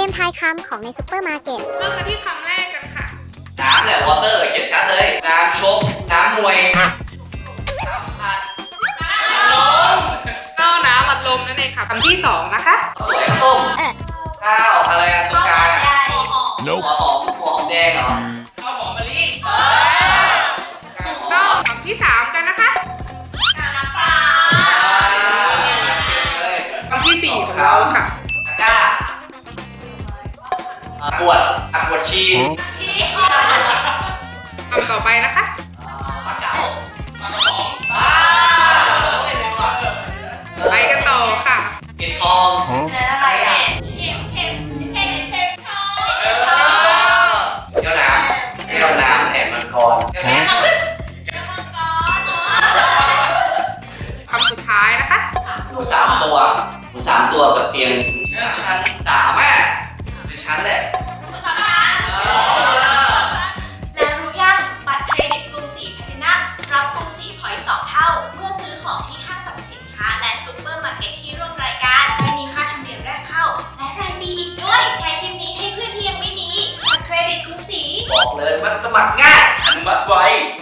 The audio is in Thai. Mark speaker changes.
Speaker 1: มทายคำของในซุปเปอร์มาร์เก็ต
Speaker 2: เริ่มกันที่คำแรกกันค่ะ
Speaker 3: น้ำแหละวอเตอร์เขียนชัดเลยน้ำชกน้ำมวยน้ำผัด
Speaker 2: ข้าวน้ำอัดลมนั่นเองค่ะคำที่สองนะคะ
Speaker 3: สวยข้าวต้มข้าวอะไรอะตรงกลางอะหัวหอมแดงเหรอข้าวหอมมะลิ
Speaker 2: ถูกต้องคำที่สามกันนะคะคำที่สี่ของเราค่ะ
Speaker 3: ตะกร้าขวดชี
Speaker 2: คำต่อไปนะคะ
Speaker 3: ปลาเก๋าปลากระป๋อง
Speaker 2: ไปกันต่อค่ะ
Speaker 3: เห็ดทอง
Speaker 4: อะไรอ่ะเห็ดทอง
Speaker 3: แก้วน้ำแหนมังกร
Speaker 2: คำสุดท้ายนะคะ
Speaker 3: หมูสามตัวกับเตียงชั้นสามอ่ะเป็นชั้นแหละ
Speaker 4: แล้วรู้ยังบัตรเครดิตกรุงศรีแพลตินัมรับกรุงศรีพอยต์2 เท่าเมื่อซื้อของที่ห้างสรรพสินค้าและซุปเปอร์มาร์เก็ตที่ร่วมรายการไม่มีค่าธรรมเนียมแรกเข้าและรายปีอีกด้วยใช้คลิปนี้ให้เพื่อนที่ยังไม่มีบัตรเครดิตกรุงศรี
Speaker 3: บอกเลยว่าสมัครง่ายอนุมัติไว